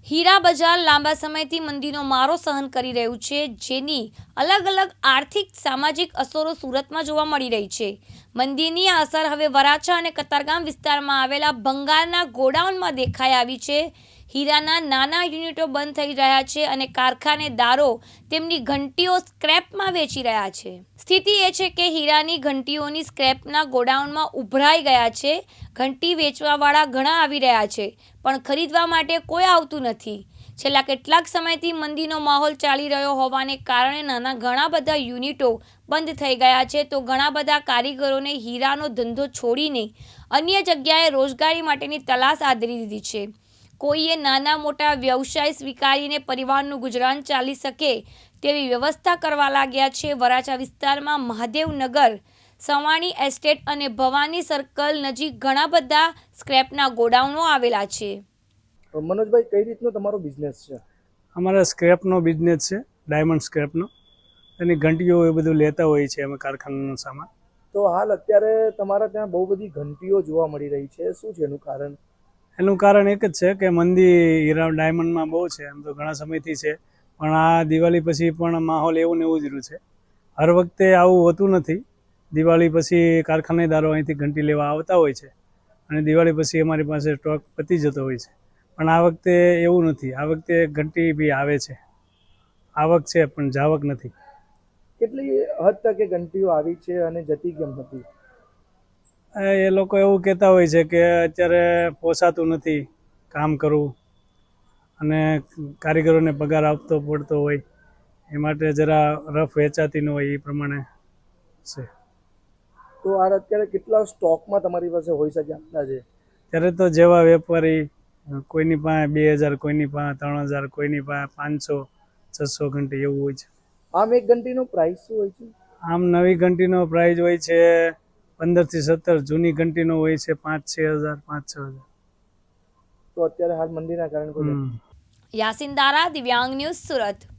હીરા બજાર લાંબા સમયથી મંદીનો મારો સહન કરી રહ્યું છે, જેની અલગ અલગ આર્થિક સામાજિક અસરો સુરતમાં જોવા મળી રહી છે. મંદીની આ અસર હવે વરાછા અને કતારગામ વિસ્તારમાં આવેલા ભંગારના ગોડાઉનમાં દેખાઈ આવી છે. હીરાના નાના યુનિટો બંધ થઈ રહ્યા છે અને કારખાનેદારો તેમની ઘંટીઓ સ્ક્રેપમાં વેચી રહ્યા છે. સ્થિતિ એ છે કે હીરાની ઘંટીઓની સ્ક્રેપના ગોડાઉનમાં ઉભરાઈ ગયા છે. ઘંટી વેચવાવાળા ઘણા આવી રહ્યા છે, પણ ખરીદવા માટે કોઈ આવતું નથી. છેલ્લા કેટલાક સમયથી મંદીનો માહોલ ચાલી રહ્યો હોવાને કારણે ઘણા બધા યુનિટો બંધ થઈ ગયા છે, તો ઘણા બધા કારીગરોને હીરાનો ધંધો છોડીને અન્ય જગ્યાએ રોજગારી માટેની તલાશ આદરી દીધી છે. કોઈએ નાના મોટા વ્યવસાય સ્વીકારીને પરિવારનું ગુજરાન ચાલી શકે તેવી વ્યવસ્થા કરવા લાગ્યા છે. વરાછા વિસ્તારમાં મહાદેવનગર, સવાણી એસ્ટેટ અને ભવાની સર્કલ નજીક ઘણા બધા સ્ક્રેપના ગોડાઉનો આવેલા છે. મનોજભાઈ, કઈ રીતનો તમારો બિઝનેસ છે? અમારા સ્ક્રેપનો બિઝનેસ છે, ડાયમંડ સ્ક્રેપનો. એની ઘંટીઓ એ બધું લેતા હોઈએ છીએ અમે, કારખાનાનો સામાન. તો હાલ અત્યારે તમારા ત્યાં બહુ બધી ઘંટીઓ જોવા મળી રહી છે, શું છે એનું કારણ? એનું કારણ એક જ છે કે મંદી હીરા ડાયમંડમાં બહુ છે. એમ તો ઘણા સમયથી છે, પણ આ દિવાળી પછી પણ માહોલ એવું ને એવું જ રહ્યું છે. હર વખતે આવું હોતું નથી. દિવાળી પછી કારખાનેદારો અહીંથી ઘંટી લેવા આવતા હોય છે અને દિવાળી પછી અમારી પાસે સ્ટોક પતી જતો હોય છે. પણ આ વખતે એવું નથી. આ વખતે ઘંટી બી આવે છે, આવક છે પણ જાવક નથી. કેટલી હદ તક એ ઘંટીઓ આવી છે અને જતી કેમ હતી? એ લોકો એવું કહેતા હોય છે કે અત્યારે પોસાતું નથી કામ કરવું અને કારીગરોને પગાર આપતો પડતો હોય, એ માટે જરા રફ વેચાતી ન હોય, એ પ્રમાણે છે. તો આ અત્યારે કેટલા સ્ટોકમાં તમારી પાસે હોઈ શકે અંદાજે? ત્યારે તો જેવા વેપારી, કોઈની પાસે 2000, કોઈની પાસે 3000, કોઈની પાસે 500, 600 ઘંટી એવું હોય છે. આમ એક ઘંટીનો પ્રાઇસ શું હોય છે? આમ નવી ઘંટીનો પ્રાઇસ હોય છે 15 થી 17. જૂની ઘંટીનો હોય છે 5-6 હજાર, 5-6 હજાર. તો અત્યારે હાલ મંદીના કારણે યાસીન દારા, દિવ્યાંગ ન્યૂઝ, સુરત.